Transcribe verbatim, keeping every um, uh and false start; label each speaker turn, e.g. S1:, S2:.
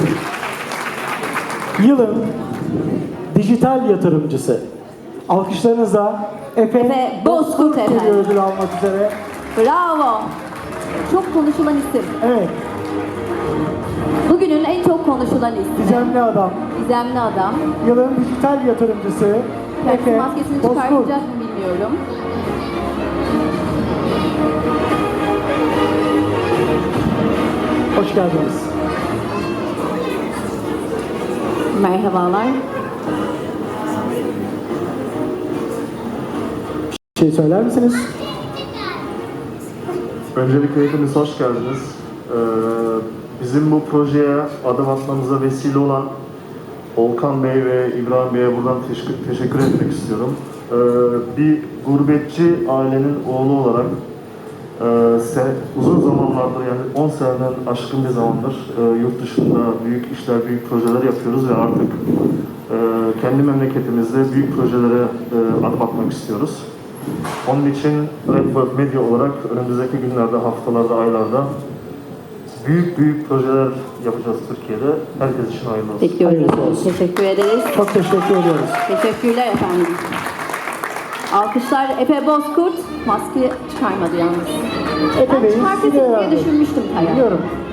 S1: Yılın dijital yatırımcısı. Alkışlarınızla Efe,
S2: Efe Bozkurt
S1: geliyor
S2: efendim.
S1: ödül almak üzere.
S2: Bravo. Çok konuşulan isim.
S1: Evet,
S2: Bugünün en çok konuşulan ismi.
S1: gizemli adam.
S2: Gizemli adam.
S1: Yılın dijital yatırımcısı
S2: Kendisi
S1: Efe
S2: maskesini
S1: Bozkurt.
S2: çıkartacak mı bilmiyorum.
S1: Hoş geldiniz.
S2: Merhabalar.
S1: Bir şey söyler misiniz?
S3: Öncelikle hepiniz hoş geldiniz. Ee, bizim bu projeye adım atmamıza vesile olan Volkan Bey ve İbrahim Bey'e buradan teşekkür, teşekkür etmek istiyorum. Ee, bir gurbetçi ailenin oğlu olarak e, se, uzun zamanlardır, yani on seneden aşkın bir zamandır e, yurt dışında büyük işler, büyük projeler yapıyoruz ve artık e, kendi memleketimizde büyük projelere e, adım atmak istiyoruz. Onun için Redbird Media olarak önümüzdeki günlerde, haftalarda, aylarda büyük büyük projeler yapacağız Türkiye'de. Herkes için hayırlı olsun.
S2: Bekliyoruz.
S1: Hayırlısı olsun.
S2: Teşekkür ederiz.
S1: Çok teşekkür ediyoruz.
S2: Teşekkürler efendim. Alkışlar Efe Bozkurt. Maske çıkarmadı yalnız.
S1: Efe
S2: Ben
S1: Bey'in
S2: çıkartırım
S1: size
S2: diye
S1: herhalde.
S2: düşünmüştüm Kaya.
S1: Biliyorum.